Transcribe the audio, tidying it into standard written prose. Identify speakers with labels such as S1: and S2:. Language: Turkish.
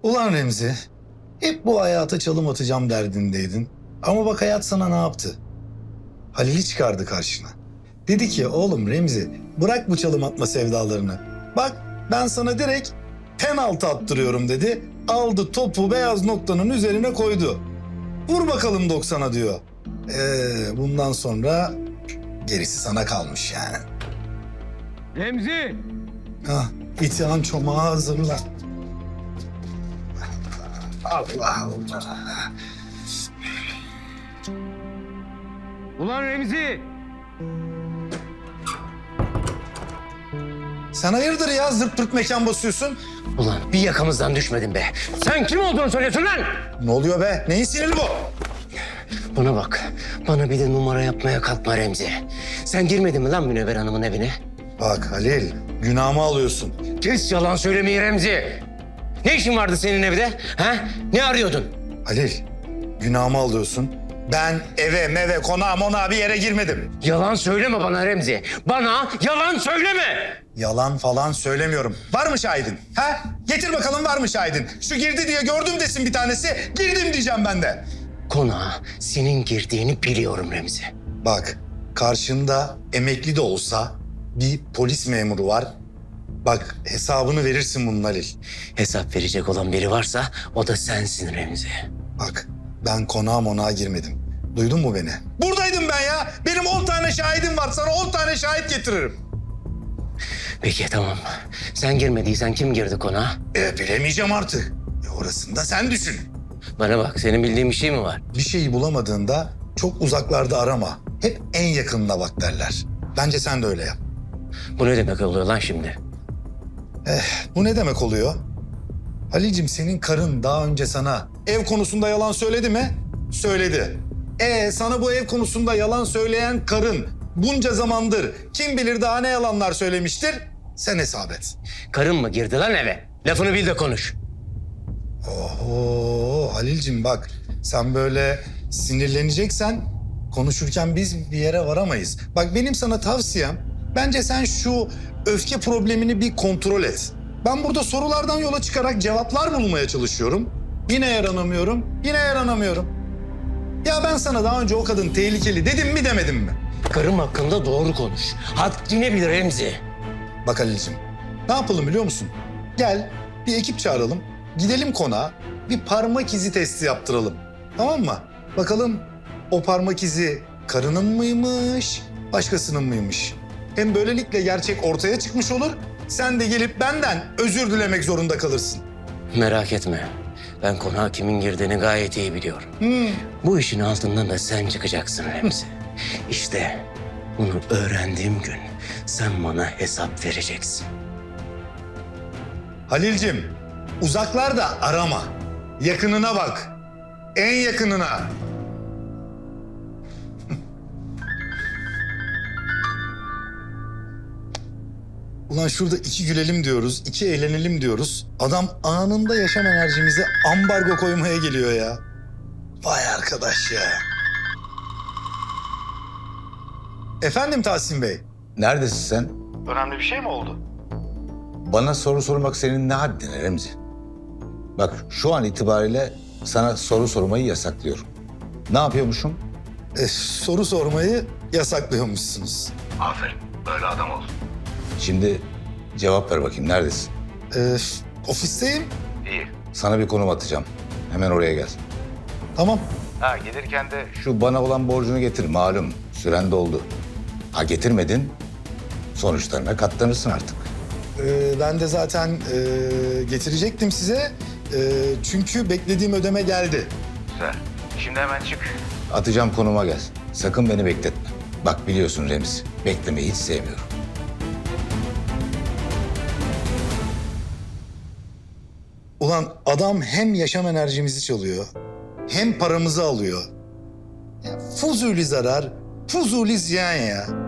S1: Ulan Remzi, hep bu hayata çalım atacağım derdindeydin. Ama bak hayat sana ne yaptı? Halil'i çıkardı karşına. Dedi ki oğlum Remzi bırak bu çalım atma sevdalarını. Bak ben sana direkt penaltı attırıyorum dedi. Aldı topu beyaz noktanın üzerine koydu. Vur bakalım 90'a diyor. Bundan sonra gerisi sana kalmış yani.
S2: Remzi!
S1: Hah, itihan çomağı hazırla. Allah Allah.
S2: Ulan Remzi!
S1: Sen hayırdır ya zırt pırt mekan basıyorsun?
S3: Ulan bir yakamızdan düşmedin be. Sen kim olduğunu söylüyorsun lan?
S1: Ne oluyor be? Neyin siniri bu?
S3: Bana bak. Bana bir de numara yapmaya kalkma Remzi. Sen girmedin mi lan Münevver Hanım'ın evine?
S1: Bak Halil, günahımı alıyorsun.
S3: Kes yalan söylemeyi Remzi. Ne işin vardı senin evde? Ha? Ne arıyordun?
S1: Halil, günahımı alıyorsun. Ben eve, meve, konağa, monağa bir yere girmedim.
S3: Yalan söyleme bana Remzi. Bana yalan söyleme.
S1: Yalan falan söylemiyorum. Var mı şahidin? Ha? Getir bakalım var mı şahidin? Şu girdi diye gördüm desin bir tanesi. Girdim diyeceğim ben de.
S3: Konağa senin girdiğini biliyorum Remzi.
S1: Bak, karşında emekli de olsa bir polis memuru var. Bak hesabını verirsin bunun Halil.
S3: Hesap verecek olan biri varsa o da sensin Remzi.
S1: Bak ben konağa monağa girmedim. Duydun mu beni? Buradaydım ben ya. Benim 10 tane şahidim var. Sana 10 tane şahit getiririm.
S3: Peki tamam. Sen girmediysen kim girdi konağa?
S1: Bilemeyeceğim artık. Orasını da sen düşün.
S3: Bana bak, senin bildiğin bir şey mi var?
S1: Bir şeyi bulamadığında çok uzaklarda arama. Hep en yakınına bak derler. Bence sen de öyle yap.
S3: Bu ne demek oluyor lan şimdi?
S1: Bu ne demek oluyor? Halil'cim senin karın daha önce sana ev konusunda yalan söyledi mi? Söyledi. Sana bu ev konusunda yalan söyleyen karın bunca zamandır kim bilir daha ne yalanlar söylemiştir? Sen hesap et.
S3: Karın mı girdi lan eve? Lafını bil de konuş.
S1: Oho Halil'cim bak sen böyle sinirleneceksen konuşurken biz bir yere varamayız. Bak benim sana tavsiyem bence sen şu öfke problemini bir kontrol et. Ben burada sorulardan yola çıkarak cevaplar bulmaya çalışıyorum. Yine yaranamıyorum, yine yaranamıyorum. Ya ben sana daha önce o kadın tehlikeli dedim mi demedim mi?
S3: Karım hakkında doğru konuş. Haddini bil Remzi.
S1: Bak Halil'cim ne yapalım biliyor musun? Gel bir ekip çağıralım. Gidelim konağa bir parmak izi testi yaptıralım. Tamam mı? Bakalım o parmak izi karının mıymış, başkasının mıymış? Hem böylelikle gerçek ortaya çıkmış olur. Sen de gelip benden özür dilemek zorunda kalırsın.
S3: Merak etme. Ben konağa kimin girdiğini gayet iyi biliyorum. Bu işin altından da sen çıkacaksın Remzi. İşte bunu öğrendiğim gün sen bana hesap vereceksin.
S1: Halil'cim uzaklarda arama. Yakınına bak. En yakınına. Ulan şurada iki gülelim diyoruz, iki eğlenelim diyoruz. Adam anında yaşam enerjimize ambargo koymaya geliyor ya. Vay arkadaş ya. Efendim Tahsin Bey.
S4: Neredesin sen?
S1: Önemli bir şey mi oldu?
S4: Bana soru sormak senin ne haddine Remzi? Bak şu an itibariyle sana soru sormayı yasaklıyorum. Ne yapıyormuşum?
S1: Soru sormayı yasaklıyormuşsunuz.
S4: Aferin. Böyle adam ol. Şimdi cevap ver bakayım. Neredesin?
S1: Ofisteyim.
S4: İyi. Sana bir konum atacağım. Hemen oraya gel.
S1: Tamam.
S4: Ha gelirken de şu bana olan borcunu getir. Malum süren doldu. Ha getirmedin. Sonuçlarına katlanırsın artık.
S1: Ben de zaten getirecektim size. Çünkü beklediğim ödeme geldi.
S4: Güzel. Şimdi hemen çık. Atacağım konuma gel. Sakın beni bekletme. Bak biliyorsun Remzi. Beklemeyi hiç sevmiyorum.
S1: Ulan adam hem yaşam enerjimizi çalıyor, hem paramızı alıyor. Ya, fuzuli zarar, fuzuli ziyan ya.